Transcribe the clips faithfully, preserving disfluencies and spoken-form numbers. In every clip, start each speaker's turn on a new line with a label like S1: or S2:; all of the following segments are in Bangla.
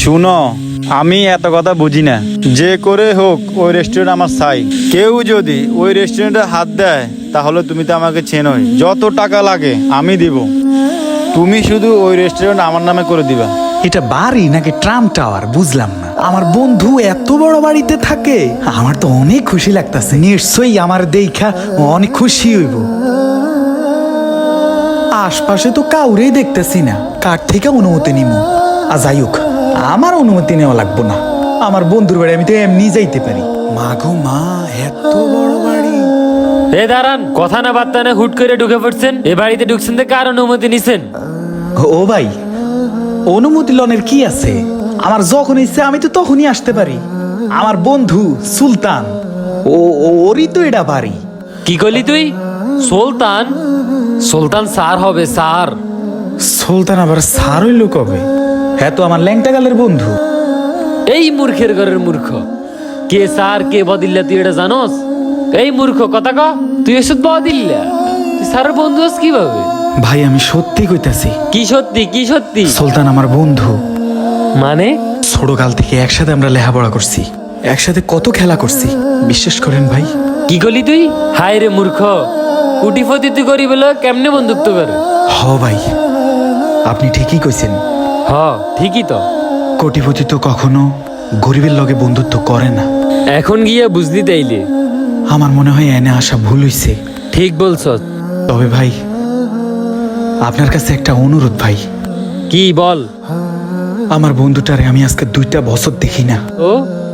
S1: শুনো, আমি এত কথা বুঝি না। যে করে হোক ওই রেস্টুরেন্ট আমার চাই। কেউ যদি ওই রেস্টুরেন্টে হাত দেয় তাহলে তুমি তো আমাকে চেনোই, যত টাকা লাগে আমি দিব। তুমি শুধু ওই রেস্টুরেন্ট আমার নামে করে দিবা।
S2: এটা বাড়ি নাকি ট্রাম টাওয়ার বুঝলাম না। আমার বন্ধু এত বড় বাড়িতে থাকে, আমার তো অনেক খুশি লাগতেছে। নিশ্চয়ই আমার দেখা অনেক খুশি হইব। আশপাশে তো কাউরেই দেখতেছি না, কার থেকে অনুমতি নিব? আর যাই হোক, আমার অনুমতি নেওয়া লাগবো না। আমার বন্ধুর বাড়ি আমি তো এমনি যাইতে পারি। মা গো মা, এত বড় বাড়ি!
S3: এ দাঁড়ান, কথা না বার্তা না হুট করে ঢুকে পড়ছেন। এ বাড়িতে ঢুকছেন তো কার অনুমতি নিছেন?
S2: ও ভাই, অনুমতি লনের কি আছে? আমার যখন ইচ্ছে আমি তো তখনই আসতে পারি। আমার বন্ধু সুলতান, ও ওরই তো এটা বাড়ি।
S3: কি করলি তুই? সুলতান? সুলতান স্যার হবে স্যার।
S2: সুলতান আবার স্যার হইল কবে? হ্যাঁ তো আমার ল্যাংটা গালের বন্ধু।
S3: এই মূর্খের ঘরের মূর্খ। কে স্যার কে বদিল্লা তুই এটা জানোস? এই মূর্খ কথা ক, তুই এসব বদিল্লা? তুই স্যারের বন্ধু হস কিভাবে?
S2: ভাই আমি সত্যি কইতাছি।
S3: কি সত্যি কি সত্যি?
S2: সুলতান আমার বন্ধু।
S3: মানে?
S2: ছোটকাল থেকে একসাথে আমরা লেখাপড়া করছি, একসাথে কত খেলা করছি, বিশ্বাস করেন ভাই।
S3: কি করলি তুই? হায় রে মূর্খ, কুটিপতি তুই করি বলে কেমনে বন্ধুত্ব করে?
S2: হ ভাই, আপনি ঠিকই কইছেন।
S3: হ ঠিকই তো।
S2: কোটিপতি তো কখনো গরিবের লগে বন্ধুত্ব করে না।
S3: এখন গিয়া বুঝলি তাইলে?
S2: আমার মনে হয় এনে আসা ভুল হইছে।
S3: ঠিক বলছ।
S2: তবে ভাই, আপনার কাছে একটা অনুরোধ ভাই।
S3: কি বল?
S2: আমার বন্ধুটারে আমি আজকে দুইটা বছর দেখি না।
S3: ও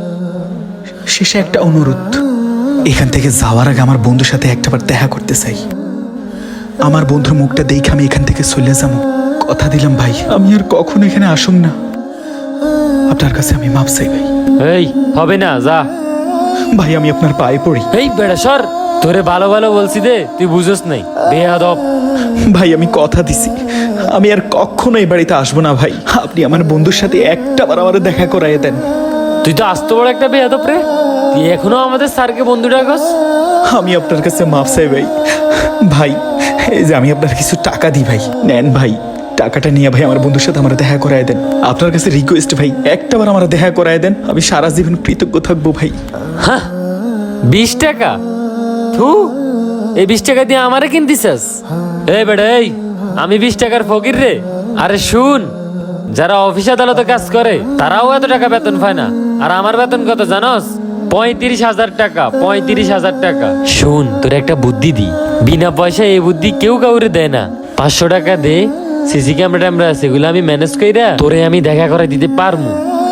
S2: শেষে একটা অনুরোধ, এখান থেকে যাওয়ার আগে আমার বন্ধুর সাথে একটাবার দেখা করতে চাই। আমার বন্ধুর মুখটা দেখে আমি এখান থেকে চলে যাবো। কথা দিলাম ভাই, আমি আর কখনো এখানে আসুম না। আপনার কাছে আমি মাপ চাই ভাই।
S3: এই হবে না, যা।
S2: ভাই আমি আপনার পায়ে পড়ি।
S3: এই বেড়া সর, তোরে ভালো ভালো বলছি দে, তুই বুঝোস নাই বেয়াদব।
S2: ভাই আমি কথা দিছি, আমি আর কখনো এই বাড়িতে আসবো না ভাই। আপনি আমার বন্ধুর সাথে একটা বার আমার দেখা করাইয়ে দেন।
S3: তুই তো আস্ত বড় একটা বেয়াদব রে। তুই এখনো আমাদের স্যারকে বন্ধু ডাকস?
S2: আমি আপনার কাছে মাপ চাই ভাই। ভাই এই যে আমি আপনার কিছু টাকা দিই ভাই, নেন ভাই। টাকাটা নিয়ে ভাই আমার বন্ধুর সাথে আমার দেখা করায় দেন। আপনার কাছে রিকোয়েস্ট ভাই, একটা বার আমার দেখা করায় দেন। আমি সারা জীবন কৃতজ্ঞ থাকবো ভাই।
S3: হ্যাঁ, বিশ টাকা? থু, এই বিশ টাকা দিয়ে আমারে কিনতিছাস? এই বেড়া এই, আমি বিশ টাকার ফকির রে? আরে শুন, যারা অফিস আদালতে কাজ করে তারাও এত টাকা বেতন পায় না। আর আমার বেতন কত জানোস? পঁয়ত্রিশ হাজার টাকা। পঁয়ত্রিশ হাজার টাকা। শুন, তোর একটা বুদ্ধি দি। বিনা পয়সায় এই বুদ্ধি কেউ কাউরে দেয় না। পাঁচশো টাকা দে, সিসি ক্যামেরা ট্যামেরা আছে, এগুলো আমি ম্যানেজ কইরা তোরে আমি দেখা করে দিতে পারমু।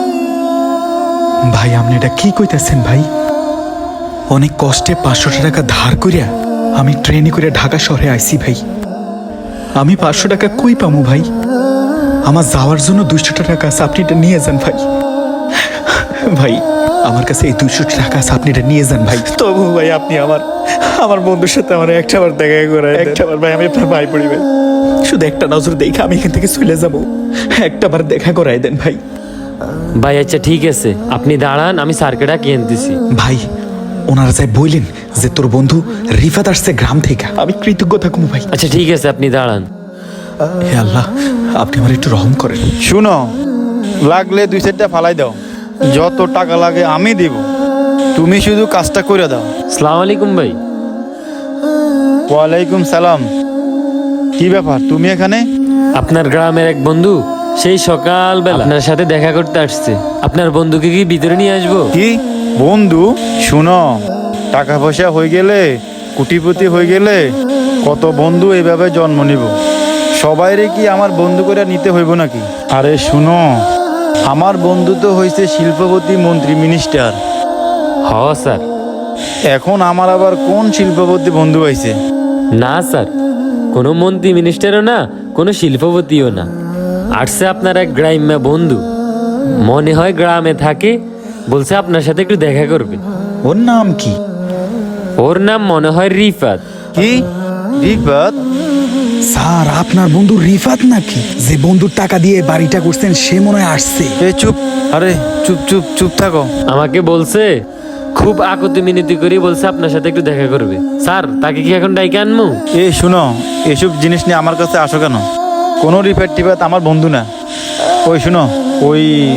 S2: ভাই আপনি এটা কি কইতাছেন ভাই? অনেক কষ্টে পাঁচশো টাকা ধার করিয়া আমি ট্রেনে করে ঢাকা শহরে আইছি ভাই। আমি পাঁচশো টাকা কই পামু ভাই? আমার যাওয়ার জন্য দুইশো টাকা আছে, আপনি এটা নিয়ে যান ভাই। ভাই আমার কাছে এই দুইশো টাকা আছে, আপনি এটা নিয়ে যান ভাই। তবু ভাই আপনি আমার আমার বন্ধুর সাথে আমার একটা বার দেখা করে একটা বার ভাই, আমি আপনার ভাই পড়ি ভাই। শুধু একটা নজর দেখে আমি এখান থেকে চলে যাবো, একটা বার দেখা করাই দেন ভাই।
S3: ভাই আচ্ছা ঠিক আছে, আপনি দাঁড়ান, আমি স্যারকে ডাকিয়ে আনতেছি।
S2: ভাই ওনারা যাই বললেন যে তোর বন্ধু রিফাত আসছে গ্রাম থেকে, আমি কৃতজ্ঞ থাকুন ভাই।
S3: আচ্ছা ঠিক আছে, আপনি দাঁড়ান।
S2: হে আল্লাহ, আপনি আমার একটু রহম করেন।
S1: শুনো, লাগলে দুই চারটা ফালাই দাও, যত টাকা লাগে আমি দিব। তুমি শুধু কাজটা করে দাও।
S3: সালাম আলাইকুম ভাই।
S1: ওয়ালাইকুম সালাম। কি ব্যাপার তুমি এখানে?
S3: আপনার গ্রামের এক বন্ধু সেই সকালবেলা আপনার সাথে দেখা করতে আসছে। আপনার বন্ধুকে কি ভিতরে নিয়ে আসবো?
S1: কি বন্ধু? শুনো, টাকা পয়সা হয়ে গেলে, কোটিপতি হয়ে গেলে কত বন্ধু এইভাবে জন্ম নিব। সবাইরে কি আমার বন্ধু করে নিতে হইব নাকি? আরে শুনো, আমার বন্ধু তো হয়েছে শিল্পপতি, মন্ত্রী, মিনিস্টার।
S3: হ স্যার।
S1: এখন আমার আবার কোন শিল্পপতি বন্ধু হয়েছে?
S3: না স্যার, কোনো মন্ত্রী মিনিস্টারও না, কোনো শিল্পপতিও না। আসছে আপনার এক গ্রাম্য বন্ধু, মনে হয় গ্রামে থাকে, বলছে আপনার সাথে একটু দেখা করবে।
S2: ওর নাম কি?
S3: ওর নাম মনে হয় রিফাত।
S1: কি রিফাত?
S2: স্যার আপনার বন্ধু রিফাত নাকি? যে বন্ধুর টাকা দিয়ে বাড়িটা করছেন সে মনে হয় আসছে।
S1: এ চুপ, আরে চুপ চুপ চুপ থাকো।
S3: আমাকে বলছে, খুব আকুতি মিনতি করে বলছে আপনার সাথে একটু দেখা করবে। স্যার তাকে কি এখন ডাইকে আনমু?
S1: এ শুনো, এসব জিনিস নিয়ে আমার কাছে আসো কেন? কোনো রিফাত টিফাত আমার বন্ধু না। ওই শুনো, ওই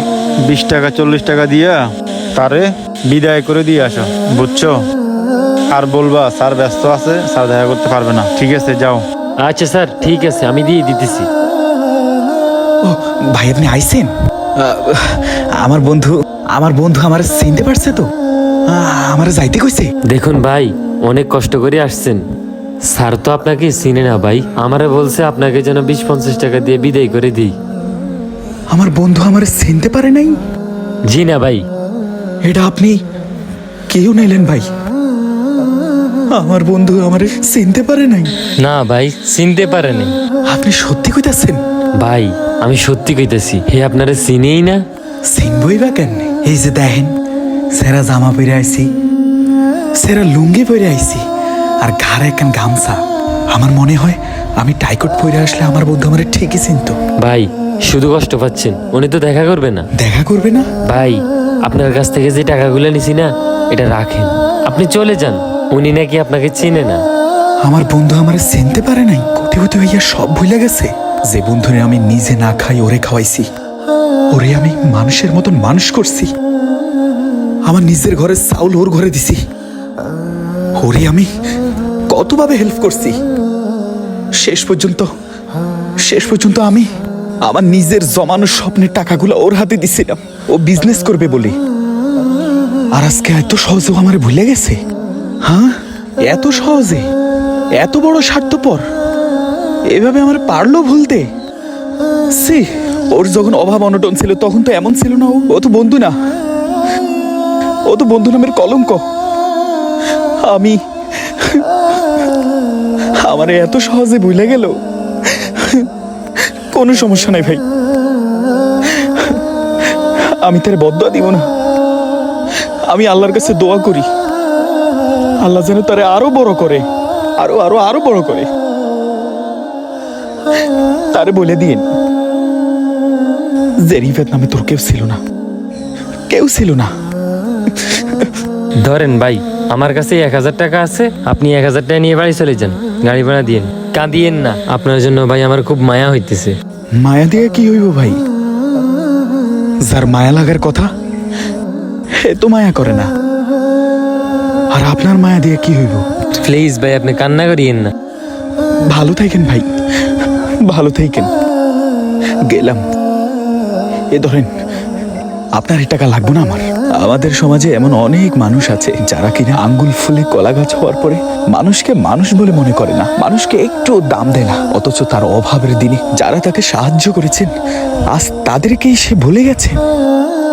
S1: বিশ টাকা চল্লিশ টাকা দিয়া তারে বিদায় করে দিয়ে আসো, বুঝছো? আর বলবা স্যার ব্যস্ত আছে, স্যার দেখা করতে পারবে না। ঠিক আছে, যাও।
S3: আচ্ছা স্যার, ঠিক আছে, আমি দিয়ে দিতেছি।
S2: ও ভাই, আপনি আইছেন? আহ, আমার বন্ধু আমার বন্ধু আমার চিনতে পারছে তো, আমার যাইতে কইছে।
S3: দেখুন ভাই, অনেক কষ্ট করে আসছেন, স্যার তো আপনাকে চিনে না ভাই। আমারে বলছে আপনাকে যেন বিশ পঞ্চাশ টাকা দিয়ে বিদায় করে দিই।
S2: আমার বন্ধু আমার চিনতে পারে নাই?
S3: জি না ভাই।
S2: এটা আপনি কেউ নাইলেন ভাই? আমার বন্ধু আমার চিনতে পারে নাই?
S3: না ভাই, চিনতে পারেনি।
S2: আপনি সত্যি কইতাছেন?
S3: ভাই আমি সত্যি কইতেছি, হে আপনারা চিনেই না।
S2: চিনবই বা কেন? এই যে দেখেন, সেরা জামা পরে আইছি, সেরা লুঙ্গি পরে আইছি, আর ঘাড়ে একখান গামছা। আমার মনে হয় আমি টাইকট পরে আসলে আমার বন্ধু আমার ঠিকই চিনতো।
S3: ভাই শুধু কষ্ট পাচ্ছেন, উনি তো দেখা করবে না।
S2: দেখা করবে না?
S3: ভাই আপনার কাছ থেকে যে টাকাগুলো নিছি না, এটা রাখেন, আপনি চলে যান। উনি নাকি আপনাকে চিনে না।
S2: আমার বন্ধু আমার চিনতে পারে নাই? কোটিপতি হইয়া সব ভুলে গেছে। যে বন্ধুরে আমি নিজে না খাই ওরে খাওয়াইছি, ওরে আমি মানুষের মতন মানুষ করছি, আমার নিজের ঘরে চাউল ওর ঘরে দিছি, ওরে আমি কতভাবে হেল্প করছি। শেষ পর্যন্ত শেষ পর্যন্ত আমি আমার নিজের জমানো স্বপ্নের টাকাগুলো ওর হাতে দিছিলাম, ও বিজনেস করবে বলে। আর আজকে এত সহজেও আমার ভুলে গেছে? হ্যাঁ, এত সহজে, এত বড় স্বার্থপর, এভাবে আমার পারলো ভুলতে? সি, ওর যখন অভাব অনটন ছিল তখন তো এমন ছিল না। ও ও তো বন্ধু না, ও তো বন্ধু নামের কলঙ্ক। আমি আমার এত সহজে ভুলে গেল। কোনো সমস্যা নাই ভাই, আমি তার বদদোয়া দিব না। আমি আল্লাহর কাছে দোয়া করি, আল্লাহ যেন তারে আরো বড় করে, আরো আরো আরো বড় করে। তারে বলে দিন যে রিফাত নামে তোর কেউ ছিল না, কেউ ছিল না।
S3: ধরেন ভাই, আমার কাছে এক হাজার টাকা আছে, আপনি এক হাজার টাকা নিয়ে বাড়ি চলে যান, গাড়ি ভাড়া দিয়েন। কাঁদিয়েন না, আপনার জন্য ভাই আমার খুব মায়া হইতেছে।
S2: মায়া দিয়ে কি হইব ভাই? যার মায়া লাগার কথা সে তো মায়া করে না, আর আপনার মায়া দিয়ে কি হইব?
S3: প্লিজ ভাই, আপনি কান্না করিয়েন না।
S2: ভালো থাকেন ভাই, ভালো থাকেন, গেলাম। এ ধরেন, আপনার এই টাকা লাগবে না আমার। আমাদের সমাজে এমন অনেক মানুষ আছে যারা কিনা আঙ্গুল ফুলে কলা গাছ হওয়ার পরে মানুষকে মানুষ বলে মনে করে না, মানুষকে একটু দাম দেয় না, অথচ তার অভাবের দিনে যারা তাকে সাহায্য করেছেন আজ তাদেরকেই সে ভুলে গেছে।